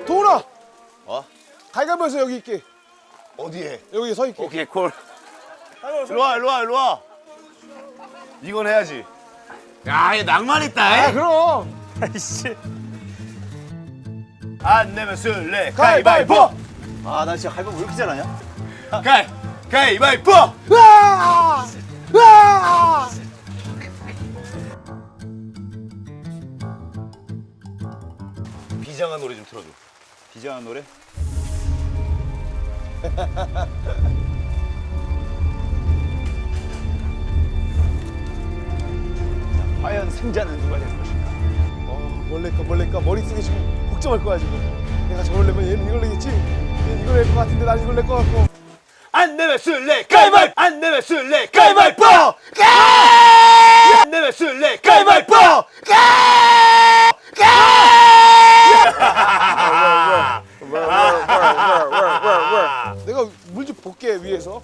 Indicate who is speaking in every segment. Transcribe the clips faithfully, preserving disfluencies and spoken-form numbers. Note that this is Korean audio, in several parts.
Speaker 1: 도훈아.
Speaker 2: 어?
Speaker 1: 가위바위보에서 여기 있게.
Speaker 2: 어디에?
Speaker 1: 여기 서 있게.
Speaker 2: 오케이 콜. 일로 와 일로 와 일로 와. 이건 해야지. 야, 얘 낭만 있다.
Speaker 1: 아 그럼.
Speaker 3: 아이씨.
Speaker 2: 안 내면 술래
Speaker 1: 가위바위보.
Speaker 2: 가위바위보.
Speaker 4: 아, 나 진짜 가위바위보 왜 이렇게 잘하냐?
Speaker 2: 가위 가위바위보.
Speaker 1: 으아! 으아!
Speaker 2: 비장한 노래 좀 틀어줘.
Speaker 4: 비장한 노래? 자, 과연 승자는 누가 될 것인가?
Speaker 1: 어, 뭘래까 뭘래까 머릿속에 지금 복잡할 거야 지금. 내가 저걸 내면 얘는 이걸 내겠지. 얘는 이걸 낼 것 같은데 난 이걸 낼 것 같고.
Speaker 2: 안 내면 술래 가위바위보. 안 내면 술래 가위바위보. 안 내면 술래 가위바위보.
Speaker 1: 내가 물 좀 볼게 위에서.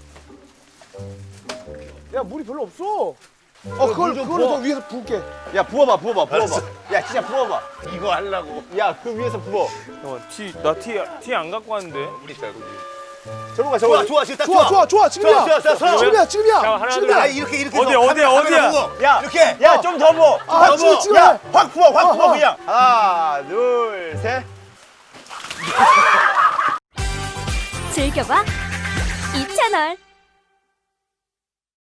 Speaker 1: 야 물이 별로 없어. 어 그걸
Speaker 4: 좀
Speaker 1: 그거를 더
Speaker 4: 부어.
Speaker 1: 위에서 부을게.
Speaker 4: 야, 부어봐, 부어봐, 부어봐.
Speaker 2: 알았어.
Speaker 4: 야, 진짜 부어봐.
Speaker 2: 이거 하려고.
Speaker 4: 야, 그 위에서 부어.
Speaker 3: 어, 티, 나 티, 티 안 갖고 왔는데.
Speaker 2: 우리 있다 여기.
Speaker 4: 저거 가, 저거
Speaker 2: 좋아
Speaker 4: 가.
Speaker 2: 좋아 지금 딱
Speaker 1: 좋아 좋아 좋아 지금이야.
Speaker 2: 좋아, 좋아, 좋아.
Speaker 1: 지금이야 지금이야.
Speaker 3: 자, 하나,
Speaker 1: 지금이야.
Speaker 2: 아 이렇게 이렇게
Speaker 3: 어디,
Speaker 2: 해서
Speaker 3: 어디,
Speaker 2: 카메라,
Speaker 3: 어디야?
Speaker 2: 카메라 보고.
Speaker 4: 야,
Speaker 2: 이렇게.
Speaker 4: 야, 좀 더 부어.
Speaker 1: 아
Speaker 2: 너무-
Speaker 1: 지금 지금.
Speaker 4: 야, 확 부어, 확 부어,
Speaker 1: 어, 어.
Speaker 4: 그냥. 하나, 둘, 셋.
Speaker 5: 즐겨봐 이 채널.